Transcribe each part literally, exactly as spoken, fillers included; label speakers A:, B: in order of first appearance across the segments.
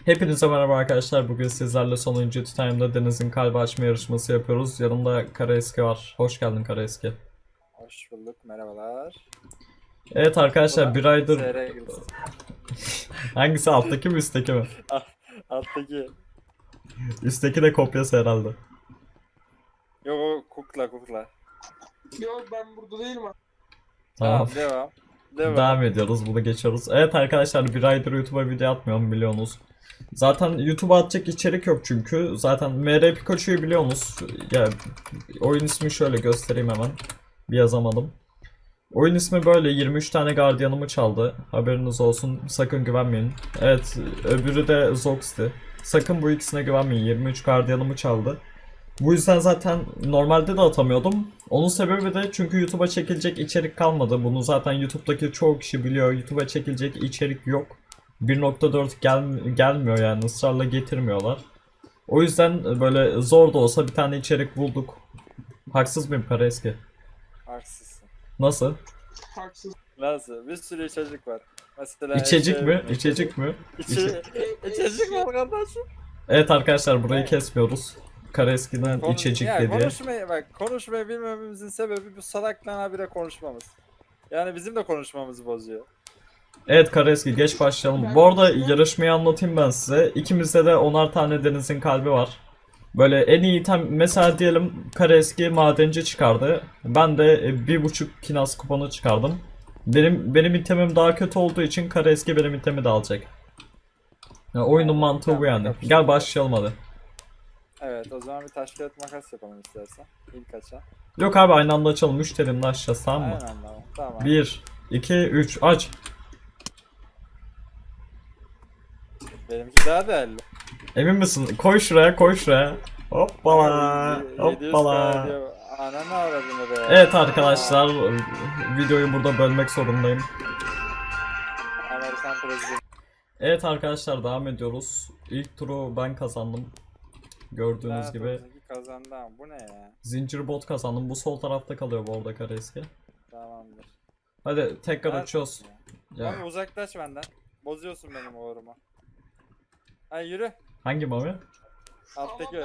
A: Hepinize merhaba arkadaşlar. Bugün sizlerle sonuncu Time'da Deniz'in kalbi açma yarışması yapıyoruz. Yanımda Karaeski var. Hoş geldin Karaeski.
B: Hoş bulduk, merhabalar.
A: Evet arkadaşlar, bir aydır...
B: S R girsin.
A: Hangisi, alttaki mi üstteki mi?
B: Alttaki.
A: Üstteki de kopyası herhalde.
B: Yok o kukla kukla.
C: Yok ben burada değilim abi.
A: Tamam.
B: Tamam, devam. Devam.
A: Devam ediyoruz. Bunu geçiyoruz. Evet arkadaşlar, bir aydır YouTube'a video atmıyorum, biliyorsunuz. Zaten YouTube'a atacak içerik yok çünkü. Zaten M R Pikachu'yu biliyorsunuz. Ya, oyun ismi şöyle göstereyim hemen. Bir yazamadım. Oyun ismi böyle. Yirmi üç tane gardiyanımı çaldı. Haberiniz olsun. Sakın güvenmeyin. Evet, öbürü de Zox'ti. Sakın bu ikisine güvenmeyin. yirmi üç gardiyanımı çaldı. Bu yüzden zaten normalde de atamıyordum. Onun sebebi de çünkü YouTube'a çekilecek içerik kalmadı. Bunu zaten YouTube'daki çoğu kişi biliyor. YouTube'a çekilecek içerik yok. bir nokta dört gel gelmiyor yani, ısrarla getirmiyorlar. O yüzden böyle zor da olsa bir tane içerik bulduk. Haksız mıyım Karaeski?
B: Haksızsın.
A: Nasıl?
C: Haksız.
B: Nasıl? Bir sürü içecek var. Mesela
A: İçecek
B: şey-
A: mi? İçecek mi?
B: İçe... içecek var kardeşim.
A: Evet arkadaşlar, burayı
B: Evet.
A: kesmiyoruz. Karaeski'nin
B: Konu-
A: içecek
B: ya,
A: dediği.
B: Konuşmayı, bak konuşmayı bilmememizin sebebi bu salakla habire konuşmamız. Yani bizim de konuşmamızı bozuyor.
A: Evet Karaeski, geç başlayalım. Bu arada yarışmayı anlatayım ben size. İkimizde de onar tane Deniz'in kalbi var. Böyle en iyi item, mesela diyelim Karaeski madenci çıkardı. Ben de e, bir buçuk kinas kuponu çıkardım. Benim benim itemim daha kötü olduğu için Karaeski benim itemi de alacak. Ya, oyunun mantığı bu yani. Gel başlayalım hadi.
B: Evet, o zaman bir taş kağıt makas yapalım istersen. İlk açan.
A: Yok abi, aynı anda açalım. Müşterinin açacağız, tamam mı?
B: Aynen tamam. Tamam.
A: bir, iki, üç, aç.
B: Benimki daha değerli.
A: Emin misin? Koy şuraya, koy şuraya. Hoppala,
B: yedi yüz
A: hoppala.
B: K diyor. Ananı avradını be.
A: Evet arkadaşlar, videoyu burada bölmek zorundayım.
B: Amerikan prezidenti.
A: Evet arkadaşlar, devam ediyoruz. İlk turu ben kazandım. Gördüğünüz
B: Lanet
A: gibi
B: olsun ki kazandı ama bu ne ya?
A: zincir bot kazandım. Bu sol tarafta kalıyor bu arada Karaeski.
B: Tamamdır.
A: Hadi tekrar
B: Lanet
A: açıyoruz.
B: olsun ya.
A: Ya,
B: Abi uzaklaş benden. Bozuyorsun benim uğrumu. Ay yürü.
A: hangi mami?
B: Alttaki.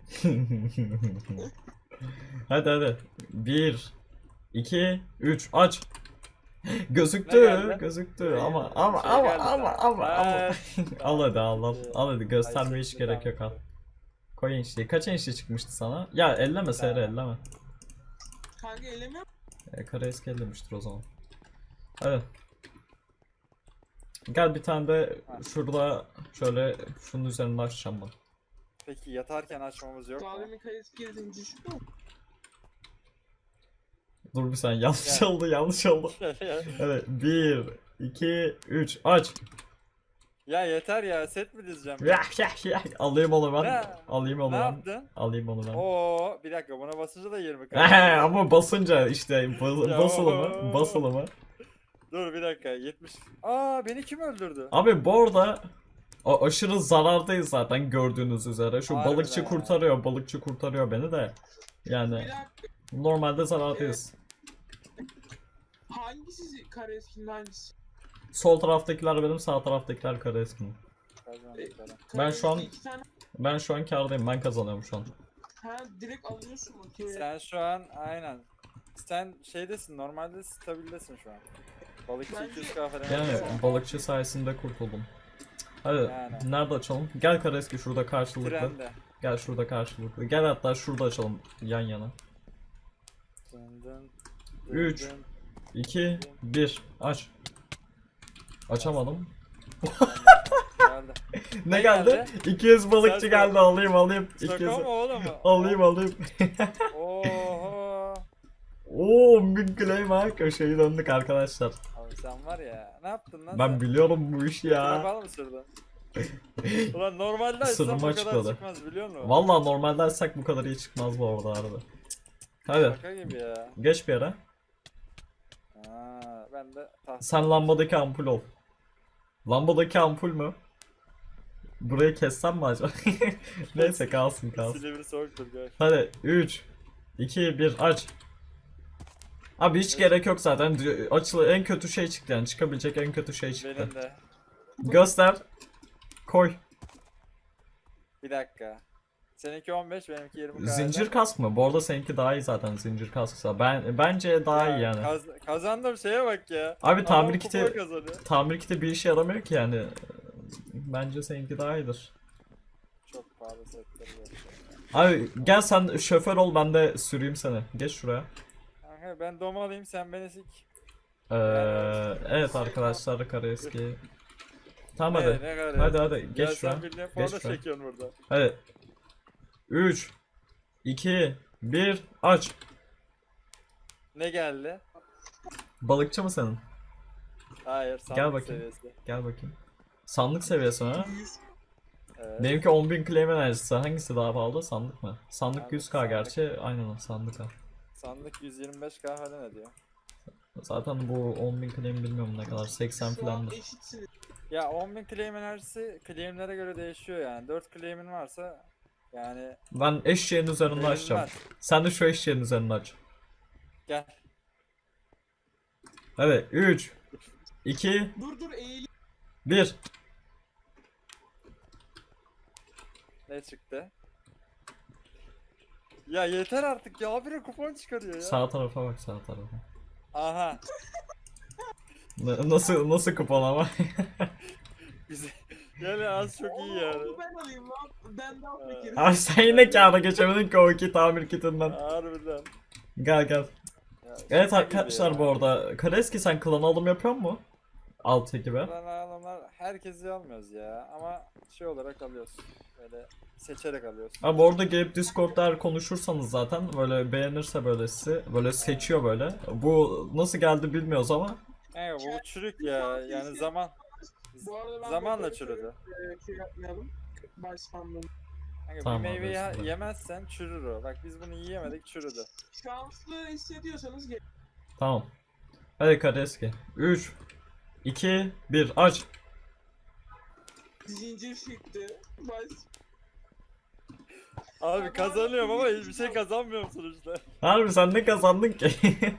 A: Hadi hadi. bir, iki, üç, aç.
B: Ne
A: Gözüktü,
B: geldi?
A: gözüktü
B: Ne
A: ama
B: geldi?
A: ama
B: Şey
A: ama
B: geldi
A: ama
B: sana.
A: ama ama.
B: Ay,
A: Al hadi, al al.
B: Ee,
A: Al hadi, göstermeye
B: ay,
A: hiç
B: çekti,
A: gerek yok, al.
B: tamam.
A: Koy enişteyi. Kaç enişte çıkmıştı sana? Ya elleme Seyre,
B: Tamam.
A: elleme.
C: Kanka elemiyor.
A: E, Karaeski ellemiştir o zaman. Hadi. Gel bir tane de şurada şöyle şunun üzerinde açacağım ben.
B: Peki yatarken açmamız yok mu?
C: Daha demin kayıt girdin düştü mü?
A: Dur bir saniye, yanlış
B: Gel.
A: oldu, yanlış oldu. Hadi bir, iki, üç, aç.
B: Ya yeter ya, set mi dizeceğim?
A: Ya ya ya. Alayım onu ben.
B: Ne?
A: Alayım onu
B: Ne
A: ben.
B: yaptın?
A: Alayım onu ben.
B: Oo, bir dakika, buna basınca da yirmi
A: Ehe,
B: kaldı.
A: ama basınca işte bas,
B: Ya.
A: basılı mı? Basılı mı?
B: Dur bir dakika, yetmiş. Aa, beni kim öldürdü?
A: Abi bu arada a- aşırı zarardayız zaten, gördüğünüz üzere. Şu
B: Harbiden
A: balıkçı
B: ya.
A: kurtarıyor, balıkçı kurtarıyor beni de. Yani
C: Bir dakika.
A: normalde zarardayız.
C: Hangisi kare eskinin hangisi?
A: Sol taraftakiler benim, sağ taraftakiler Karaeski'nin.
B: Kazandık falan.
A: Ben şu an-
C: Kare iki tane.
A: Ben şu an kârdayım, ben kazanıyorum şu an.
C: Ha direkt alıyorsun makineye.
B: Sen şu an aynen. Sen şeydesin, normalde stabildesin şu an. Balıkçı
C: Ben-
B: iki yüz K falan.
A: Yani
B: yapıyorsun.
A: balıkçı sayesinde kurtuldum. Hadi
B: Yani.
A: nerede açalım? Gel Karaeski, şurada karşılıklı.
B: Trende.
A: Gel şurada karşılıklı. Gel hatta şurada açalım yan yana.
B: Dın dın, dın
A: Üç.
B: dın.
A: iki, bir, aç. Açamadım.
B: Geldi.
A: Ne
B: Ne
A: geldi?
B: geldi?
A: iki yüz balıkçı
B: Sen-
A: geldi, alayım alayım. iki yüz.
B: Şaka mı oğlum?
A: Alayım alayım.
B: Oho.
A: Oo, bir claim ha, köşeyi döndük arkadaşlar.
B: Abi sen var ya, ne yaptın lan
A: Ben
B: sen?
A: biliyorum bu işi ya.
B: Kapalı mı sürdün? Ulan normalde açsam
A: Sırrımı
B: bu kadar
A: açıkladı.
B: çıkmaz biliyor musun?
A: Vallahi normalde açsak bu kadar iyi çıkmaz bu arada arada. Hadi
B: Şaka gibi ya.
A: geç bir yere.
B: Aa, ben de tahta.
A: Sen lambadaki ampul ol. Lambadaki ampul mü? Burayı kessem mi acaba? Neyse, kalsın kalsın.
B: Silivri soğuktur gör.
A: Hadi üç, iki, bir, aç. Abi hiç gerek yok zaten. Açılı en kötü şey çıktı yani. Çıkabilecek en kötü şey çıktı.
B: Benim de.
A: Göster. Koy.
B: Bir dakika. Seninki on beş, benimki yirmi.
A: Zincir kask mı? Bu arada seninki daha iyi zaten zincir kasksa. Ben bence daha iyi yani.
B: Kaz kazandım şeye bak ya.
A: Abi tamir
B: Adam
A: kiti
B: kupa kazanıyor.
A: tamir kiti bir işe yaramıyor ki yani. Bence seninki daha iyidir.
B: Çok pahalı setleri var.
A: Abi gel sen şoför ol, ben de süreyim seni. Geç şuraya.
B: Kanka ben dom alayım, sen beni sik.
A: Ee, evet arkadaşlar, Karaeski. Tamam
B: Ne,
A: hadi.
B: ne kadar
A: Hadi
B: ya?
A: hadi
B: Ya
A: geç şuraya.
B: sen bildiğin
A: Geç
B: porno
A: şuraya.
B: çekiyorsun burada.
A: Hadi. üç iki bir aç.
B: Ne geldi?
A: Balıkçı mı senin?
B: Hayır, sandık
A: Gel bakayım.
B: seviyesi.
A: Gel bakayım. Sandık seviyesi ha?
C: yüz
B: Evet.
A: Benimki on bin claim enerjisi. Hangisi daha pahalı? Sandık mı? Sandık
B: Abi,
A: yüz K
B: sandık.
A: gerçi. Aynen o sandık ha.
B: Sandık yüz yirmi beş K falan ediyor.
A: Zaten bu on bin claim bilmiyorum ne kadar. seksen
C: Şu an
A: falandır.
C: eşitsiniz.
B: Ya on bin claim enerjisi claimlere göre değişiyor yani. dört claim'in varsa yani
A: Ben eşeğin üzerinde açacağım.
B: verilmez.
A: Sen de şu eşeğin üzerinde aç.
B: Gel.
A: Hadi üç iki
C: Dur dur eğil.
A: bir.
B: Ne çıktı? Ya yeter artık ya, habire kupon çıkarıyor ya.
A: Sağ tarafa bak, sağ tarafa.
B: Aha.
A: N- Nasıl nasıl kupon ama?
B: Güzel. Yani az çok iyi
C: Onu-
B: yani.
C: onu ben alayım lan. Ben daha fakirim.
A: Abi sen yine kâra geçemedin ki o iki tamir kitinden.
B: Harbiden.
A: Gel gel.
B: Ya
A: Evet
B: şaka gibi
A: arkadaşlar
B: ya.
A: bu arada. Kareski sen klan alım yapıyor mu? Alt ekibe.
B: Lan adamlar herkesi almıyoruz ya, ama şey olarak alıyoruz. Böyle seçerek alıyoruz.
A: Abi bu arada gelip Discord'da eğer konuşursanız zaten böyle beğenirse böyle sizi böyle seçiyor böyle. Bu nasıl geldi bilmiyoruz ama.
B: Evet, bu çürük ya, yani zaman
C: Bu arada ben
B: zamanla
C: böyle
B: çürüdü.
C: e, şey yapmayalım. Başkanlığım.
B: Kanka
A: Tamam
B: bir
A: abi,
B: meyveyi
A: özür dilerim.
B: yemezsen çürür o. Bak biz bunu yiyemedik, çürüdü.
C: Şanslı hissediyorsanız gel.
A: Tamam. Hadi Kareski. üç iki bir aç.
C: Zincir çıktı. Baş...
B: Abi kazanıyorum ama hiçbir şey kazanmıyorum sonuçta.
A: Harbi sen ne kazandın ki?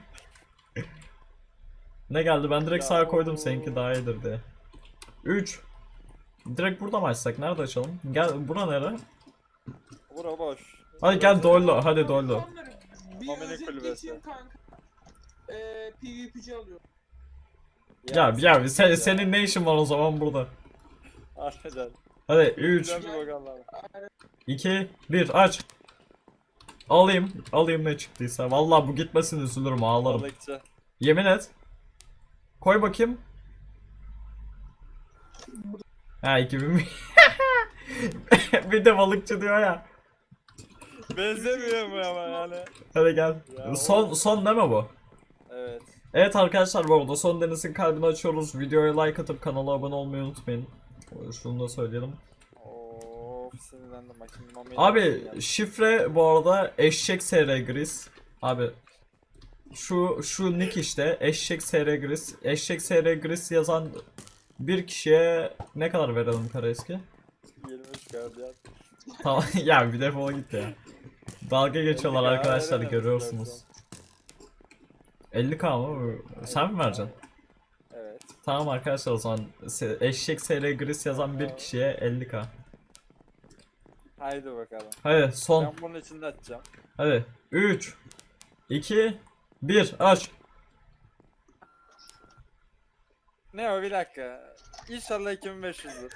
A: Ne geldi? Ben direkt
B: Ya
A: sağa koydum
B: o-
A: seninki daha iyidir diye. üç. Direkt burada mı açsak? Nerede açalım? Gel bura nere?
B: Bura boş.
A: Hadi gel
B: Burası-
A: Doylo. Hadi Doylo.
C: Onları Bir
B: Homini
C: özet
B: kulübesi.
C: geçeyim kanka. Eee PvP'ci alıyor.
A: Ya ya sen,
B: ya.
A: senin ne işin var o zaman burada?
B: Harbiden.
A: Hadi üç
B: Güzel bir bakalım.
A: iki bir aç. Alayım. Alayım ne çıktıysa. Vallahi bu gitmesin üzülürüm, ağlarım.
B: Balıkçı.
A: Yemin et. Koy bakayım. Ha iki bin mi? Bir de balıkçı diyor ya.
B: Benzemiyor mu ama yani?
A: Hadi gel.
B: Ya
A: Son
B: o-
A: son deme bu.
B: Evet.
A: Evet arkadaşlar bu arada son Deniz'in kalbini açıyoruz. Videoya like atıp kanala abone olmayı unutmayın. Şunu da söyleyelim.
B: Of, sinirlendim bak şimdi mamiyi
A: Abi
B: yapayım
A: şifre bu arada eşek sr gris. Abi şu şu nick işte eşek sr gris. Eşek sr gris yazan bir kişiye ne kadar verelim Karaeski?
B: ya. yirmi üç gardiyan.
A: Tamam ya bir defol git ya. Dalga geçiyorlar
B: elli K
A: arkadaşlar,
B: verelim
A: görüyorsunuz.
B: istersen.
A: elli K mı? Sen mi vereceksin?
B: Evet.
A: Tamam arkadaşlar o zaman se- eşek sr gris yazan bir kişiye elli K.
B: Haydi bakalım.
A: Hadi son.
B: Ben bunun içinde açacağım.
A: Hadi üç iki bir aç.
B: Ne o, bir dakika. İnşallah iki bin beş yüzdür.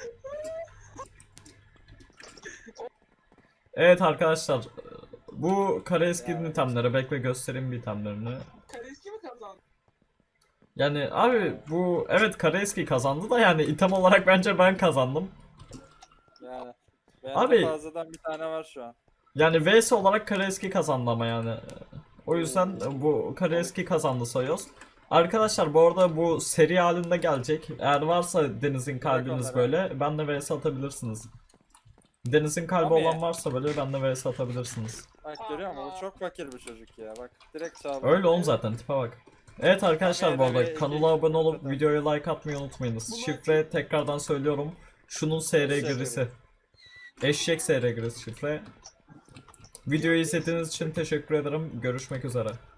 A: Evet arkadaşlar bu Karaeski'nin
B: Ya,
A: itemleri, bekle göstereyim bir itemlerini.
C: Kareski mi kazandı?
A: Yani abi bu evet Karaeski kazandı da yani item olarak bence ben kazandım.
B: Yani. Bende
A: Abi-
B: fazladan bir tane var şu an.
A: Yani V S olarak Karaeski kazandı ama yani. O yüzden bu Karaeski kazandı sayıyoruz. Arkadaşlar bu arada bu seri halinde gelecek. Eğer varsa Deniz'in kalbiniz
B: onları.
A: böyle benle V S atabilirsiniz. Deniz'in kalbi
B: Abi-
A: olan varsa böyle benle V S atabilirsiniz.
B: Bak görüyor musun? Bu çok fakir bir çocuk ya. Bak direkt çaldı.
A: Öyle oğlum zaten, tipe bak. Evet arkadaşlar bu
B: Abi,
A: arada
B: evet,
A: kanala
B: evet,
A: abone olup
B: zaten.
A: videoya like atmayı unutmayınız.
C: Bunu
A: Şifre tekrardan söylüyorum. Şunun S R
B: Eşek
A: girisi. Eşek S R girisi şifre. Videoyu izlediğiniz için teşekkür ederim. Görüşmek üzere.